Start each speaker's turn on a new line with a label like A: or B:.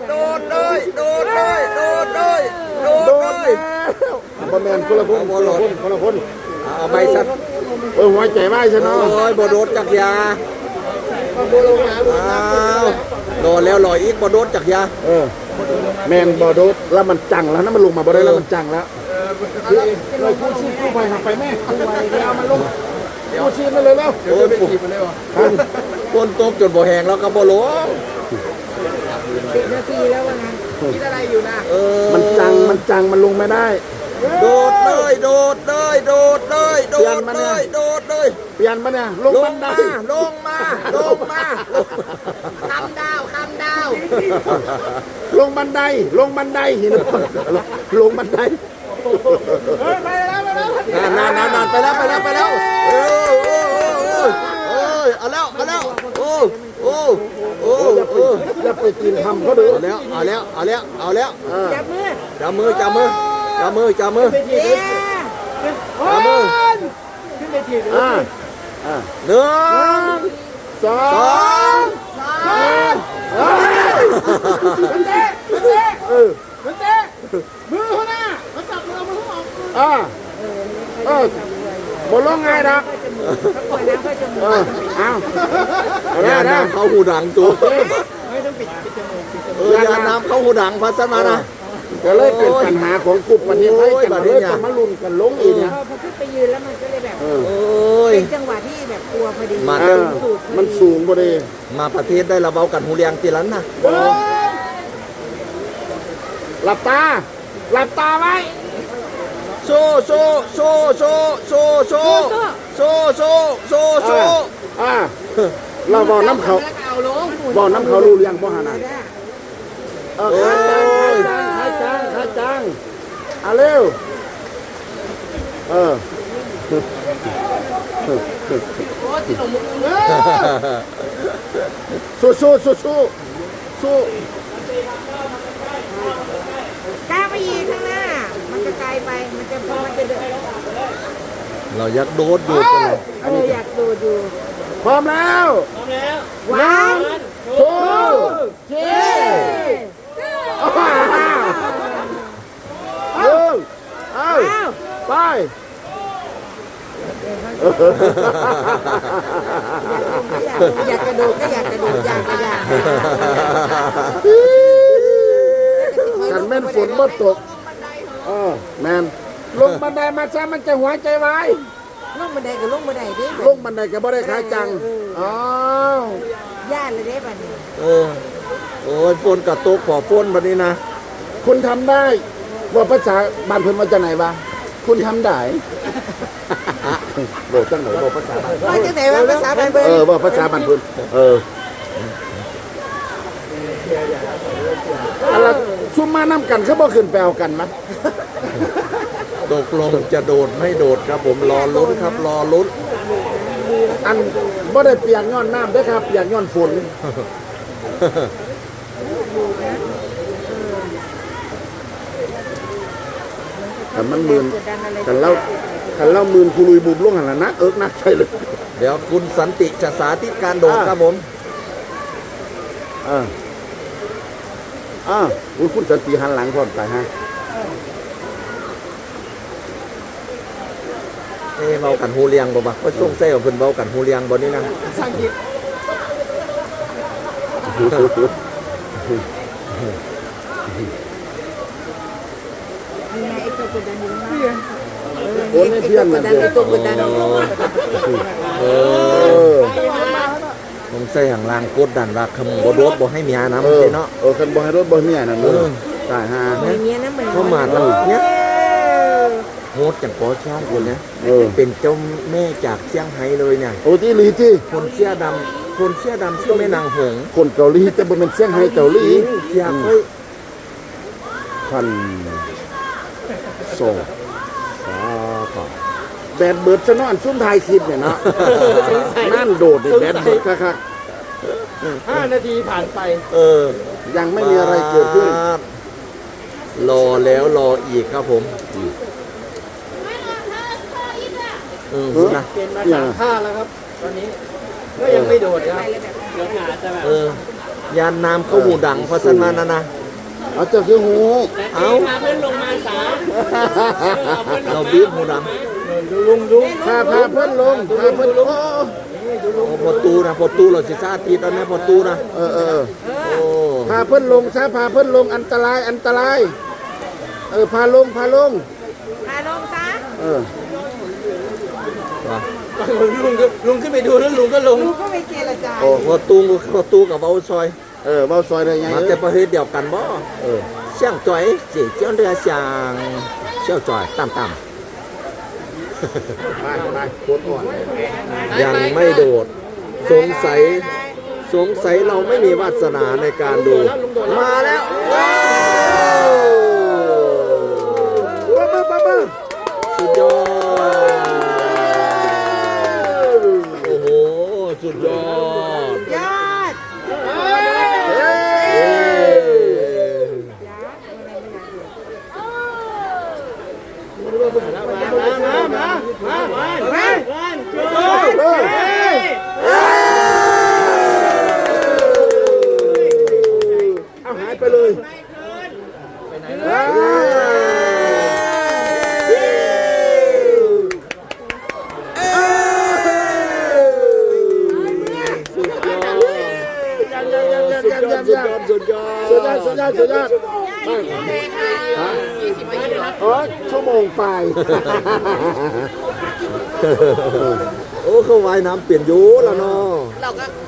A: โดดเลยโดดเลยโดดเลยโดดเลย
B: บอแมนคนละคนคนละคน
A: เอาไปสัก
B: หัวใจไหมใช่ไหม
A: โอ้ยบ่โดดจักยาโดดแล้วลอยอีกบ่โดดจักยา
B: แมนบอโดดแล้วมันจังแล้วนะมันลงมาบ่ได้แล้วมันจังแล้วเลยกู้ชีพกู้ภัยหักไปแม่กู้ภัยเอามันลงกู้ชีพมาเลยแล้ว
A: โอ้ยคนตกจนบ่แห้งแล้วก็บ่ลง
C: 10 นาทีแล้วว่างั้นคิดอะไรอยู่นะ
B: มันจังมันลงไม่ได้
A: โดดเลยโดดเลยโดดเลยโดดเลยโดดเลย
B: เปลี่ยนมาเนี่ยลงบันได
A: ลงมา
C: คำดาว
B: ลงบันไดหินลงบันได
A: นานไปแล้วเอาแล้ว
B: อย่าไปกินทำเขาเด้อ
A: เอาแล้ว
C: จับมือ
A: จับมือ
C: ขึ้นไปที
A: หนึ่ง
B: สอง
C: มันเตะมือเขาหน้ามันจับมือมือเขาออก
B: บนลงไงนะ
A: ยาน้ำเข้าหูดังตัวยาน้ำเข้าหูดังพัสมานะ
B: ก็เลยเป็นปัญหาของกลุ่มประเทศไทยกันเลยจะมาลุ้นกันลงอีกเนี่ย
C: พอขึ้นไปยืนแล้วมันก็เลยแบบเป็นจังหวะที่แบบกลัวพอดี
B: มันสูงพอดี
A: มาประเทศได้ระเบ้ากันหูเรียงตีลันนะ
B: หลับตาไว้
A: โซ่
B: เราบอกน้ำเขารู้เรียงพ่อหานาขาจังเร็วสู้
C: ก้าวไปยีข้างหน้ามันจะไกลไปมันจะเดิน
A: เราอยากโดดอยู่
C: อยากดูอยู่
B: พร้อมแล้ว
C: 1 2 3
B: ไป
C: อยากกระโดดก็อยากกระโดดอยาก
B: กันแม่นฝนบ่ตกแม่นลงบันไดมาซะมันจะหัวใจวาย
C: ลงบันไดก็ลงบันไดดิ
B: ลงบันไดก็บ่ได้ขาจัง
C: ย่านเลยได้บัดนี้
A: โอ้ยฝนกับตกขอฝนบัดนี้นะ
B: คุณทำได้ว่าภาษาบ้านเพิ่นมาจากไหนวะคุณทำได้บอกจังไหนบอกภาษาบ้าน
C: ว่าจังไหนว่าภาษาบ้านเพิ่น
B: ว่าภาษาบ้านเพิ่นอะไรซุ่มมาน้ำกันเขาบ่ขึ้นไปเอากันมั้ย
A: ตกลงจะโดดไม่โดดครับผมรอลุ้นครับรอลุ้น
B: อันบ่ได้เปียกย้อนน้ำเด้อครับเปียกย้อนฝนแต่มันมืนกันเล่ามืนคุลุยบุบลงหันละนักนักใช่เลย
A: เดี๋ยวคุณสันติจะสาธิตการโดดครับผม
B: คุณสันติหันหลังพร้อมตายฮะ
A: เบากันหูเลียงบ่บ่ว่าส่งเส้ของเพิ่นเบากันหูเลียงบ่นี่นะ
C: สังเกตนี่ไงไอ้ตัวกดดันอยู่นะ
B: โอ้ยเพี้ยนมันเลย
C: ตัวกดดัน
A: ผมใส่ห่างล่างกดดันว่าคำบ่โดดบ่ให้เมียนะมันเนาะ
B: คันบ่ให้รถบ่เมียนั่นตายฮะ
A: เข้ามาแล้วเนี่ยโหดจากปอช่างคนนี้เป็นเจ้าแม่จากเซี่ยงไฮ้เลยเนี่ย
B: โอ้ที่ลีที่
A: คนเสื้อดำชื่อแม่นางหง
B: คนเกาหลีแต่บ่เป็นเซี่ยงไฮ้เกาหลี
A: อยากให้
B: พันโซ่แบดเบิร์ดจะนอนซุ่มไทยคลิปเนี่ยเนาะนั่นโดดแบดเบิร์ดคัก
C: 5 นาทีผ่านไป
B: ยังไม่มีอะไรเกิดขึ้น
A: รอแล้วรออีกครับผม
C: นะเป็นมา3 ท่าแล้วครับตอนนี้ก็ยังไม่โดดครับเดี๋ยวหาจะแบบ
A: ยานนามเข้าหูดังเพราะฉะนั้นนะ
B: เอาเจ้าคือหู
A: เอา
C: พาเพื่อนลงมาสา
A: เราบีบหูดัง
B: พาเพื่อนลงพาเพื่อนลง
A: พอตูนะพอตูเราสิซาตีตอนนี้พอตูนะ
B: เออ
A: โอ้
B: พาเพื่อนลงซะพาเพื่อนลงอันตรายพาลง
D: พาลงซะ
A: ว่ะ
C: ลุงขึ้นไปดูแล้วลุงก็ลง
D: ลูกก็ไปเจรจา
A: โอ้พอตูกับเบาซอย
B: เบาซอยได้ไง
A: มาแต่ประเทศเดียวกันบ่เสี่ยงจ่อยเจีเจ้าเรือเสียงเชี่ยวจ่อยต่ำ
B: ไปโคตรอ่อน
A: ๆยังไม่โดด สงสัยเราไม่มีวาสนาในการดู มาแล้วว้าวสุดยอดโอ้โหสุดยอด
D: ยอด
B: เอาหายไปเลยสุดยอดชั่วโมงไป
A: โอ้เขาว่ายน้ำเปลี่ยนอยูแล้วเนาะ
D: เราก็